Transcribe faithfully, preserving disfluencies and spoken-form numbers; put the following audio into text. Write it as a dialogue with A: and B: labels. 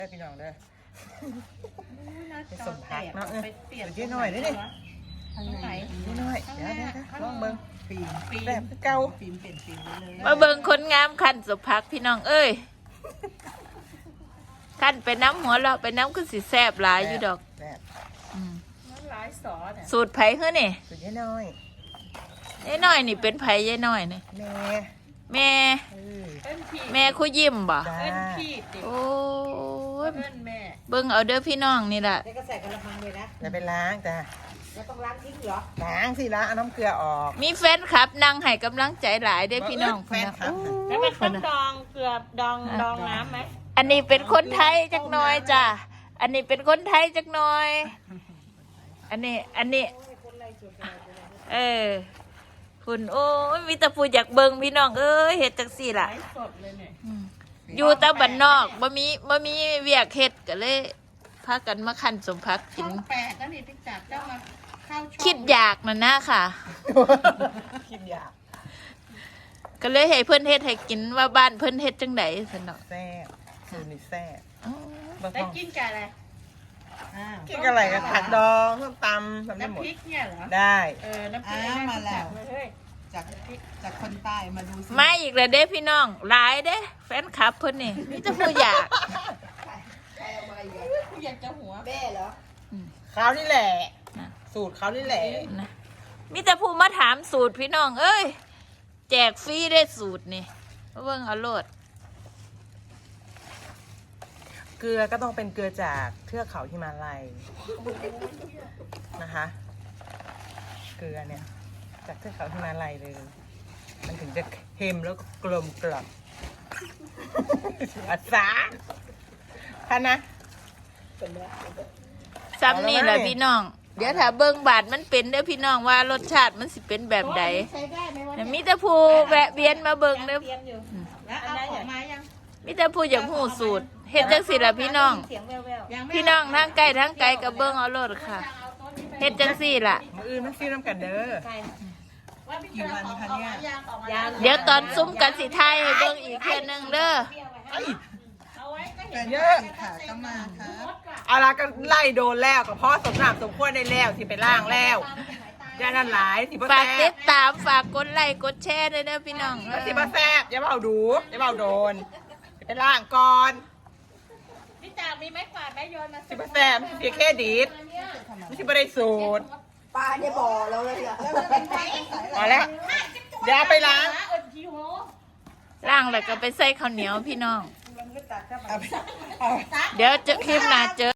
A: ได้พี่น้องเด้อไปส่งพักเนาะเออเดี๋ยวยืดหน่อยได้ดิยืดหน่อยเดี๋ยวเดี๋ยวลองเบิ้งปีนปีนแบบเก่าปีนเปลี่ยนปีนเลย
B: มาเบิ่งคนงามขันสุพักพี่น้องเอ้ยขันไปน้ำหัวเราไปน้ำก็สิแซ่บหลายอยู่ดอกสูตรไผ่เฮ้อนี่
A: สูตรยายน้อย
B: ยายน้อยนี่เป็นไผ่ยายน้อยนี่
A: แม่
B: แม่แม่คุยยิ้มบ่โอ้ยเบิ่งเอาเด้อพี่น้องนี่แหละ
C: แล้วก็ใส่กระมังเลยนะ
A: จะไปล้างจ้ะ
C: แล้วต้องล้างทิ้งเหรอ
A: ล้างสิล้างเอาน้ำเกลือออก
B: มีแฟนคลับนั่งให้กำลังใจหลายเด้อพี่น้อง
A: แฟนคลับ
C: แล้วมันต้องดองเกลือดองดองน้ำไหม
B: อันนี้เป็นคนไทยจักหน่อยจ้ะอันนี้เป็นคนไทยจักหน่อยอันนี้อันนี้เออคุณโอ้ยมีแต่ผู้อยากเบิ่งพี่น้องเอ้ยเฮ็ดจังซี่ล่ะอยู่แต่บ้านนอกบ่มีบ่มีเวียกเฮ็ดก็เลยพากันมาคั่นสมพักกิน
C: แปลกก็นี่ติ๊กจักเจ้ามาเข้าช่อง
B: คิดอยากนั่นนะค่ะ
A: คิดอยาก
B: ก็เลยให้เพิ่นเฮ็ดให้กินว่าบ้านเพิ่นเฮ็ดจังได๋ซั่นเนาะ
A: แซ่บสูตรนี่แซ่บ
C: ได้กินกับอะไร
A: กินกับอะไรกับผักดองส้มตำทำได้หมด
C: น้ำพริกเนี่ยเหรอ
A: ได้
C: เออน้ำพริกมาแล้วจากจากคนใต้มาดู
B: มาอีกแล้วเด้พี่น้องหลายเด้แฟนคลับเพิ่นนี่มีแต่ผู้อยาก
C: อยากจะหัวแม่เหรอ
A: เขานี่แหละสูตรเขานี่แหละ
B: มีแต่ผู้มาถามสูตรพี่น้องเอ้ยแจกฟรีได้สูตรนี่เบิ่งเอาโลด
A: เกลือก็ต้องเป็นเกลือจากเทือกเขาหิมาลัยนะคะเกลือเนี่ยจากเทือกเขาหิมาลัยเลยมันถึงจะเค็มแล้วก็กลมกล่อมอาสาท่านนะ
B: ซ้ำนี่แหละพี่น้องเดี๋ยวถ้าเบิ่งบาดมันเป็นเด้อพี่น้องว่ารสชาติมันสิเป็นแบบใดมีแต่ผู้แวะเวียนมาเบิ่งเด้อมีแต่ผู้อยากหูสูตรเฮ็ดจังสิล่ะพี่น้องพี่น้องทั้งไกลทั้งไกลกับเบิ่งเอาโลดค่ะเฮ็ดจังสิล่ะ
A: มื้ออื่นมันซิน้ำกันเด้อ
C: กี่วันคะเนี่ย
B: เดี๋ยวตอนซุ้มกันสิไทยให้เบิ่งอีกเทื่อนึงเด้อ
A: เยอะค่ะก็มาค่ะเอาละก็ไล่โดนแล้วกับพ่อสมน้ำสมควรได้แล้วสิไปล่างแล้วย่านั่นหลายสิบ
B: ฝากติดตามฝากกดไลค์กดแชร์ด้วยนะพี่น้อง
A: สิบแซ่บอย่าเบาดูอย่าเบาโดนไปล่างก่อน
C: พี่จ่ามีไม้กวาดไม้โยนมา
A: สิบแซ่บเสียแค่ดีดไม่ใช่ไม่ได้สูตร
C: ปลาเนี่ยบ่อเราเลยเหรอ
A: มาแล้วเดี๋ยวไปล้าง
B: ล้างแล้วก็ไปใส่ข้าวเหนียวพี่น้องเดี๋ยวจะคลิปหน้าเจอ